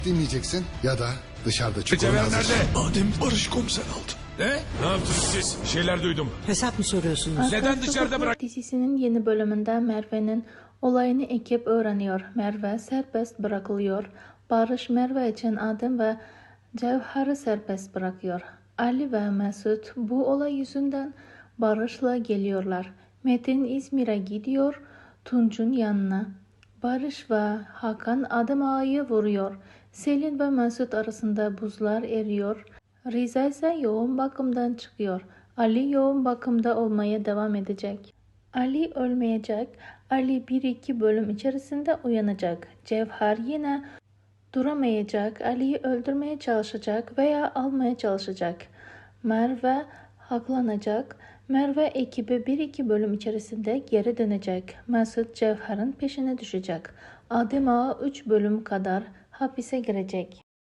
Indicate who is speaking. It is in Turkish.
Speaker 1: dinleyeceksin ya da dışarıda çukurun
Speaker 2: Cevher
Speaker 1: hazır.
Speaker 2: nerede?
Speaker 3: Adem Barış komiser aldı.
Speaker 2: Ne yaptınız siz? Bir şeyler duydum.
Speaker 4: Hesap mı soruyorsunuz?
Speaker 2: Neden dışarıda bırak...
Speaker 5: Dizisinin yeni bölümünde Merve'nin olayını ekip öğreniyor. Merve serbest bırakılıyor. Barış Merve için Adem ve Cevher'i serbest bırakıyor. Ali ve Mesut bu olay yüzünden Barış'la geliyorlar. Metin İzmir'e gidiyor Tunç'un yanına. Barış ve Hakan Adem Ağa'yı vuruyor. Selin ve Mesut arasında buzlar eriyor. Riza ise yoğun bakımdan çıkıyor. Ali yoğun bakımda olmaya devam edecek. Ali ölmeyecek. Ali 1-2 bölüm içerisinde uyanacak. Cevher yine duramayacak. Ali'yi öldürmeye çalışacak veya almaya çalışacak. Merve haklanacak. Merve ekibi 1-2 bölüm içerisinde geri dönecek. Mesut Cevher'in peşine düşecek. Adem Ağa 3 bölüm kadar hapise girecek.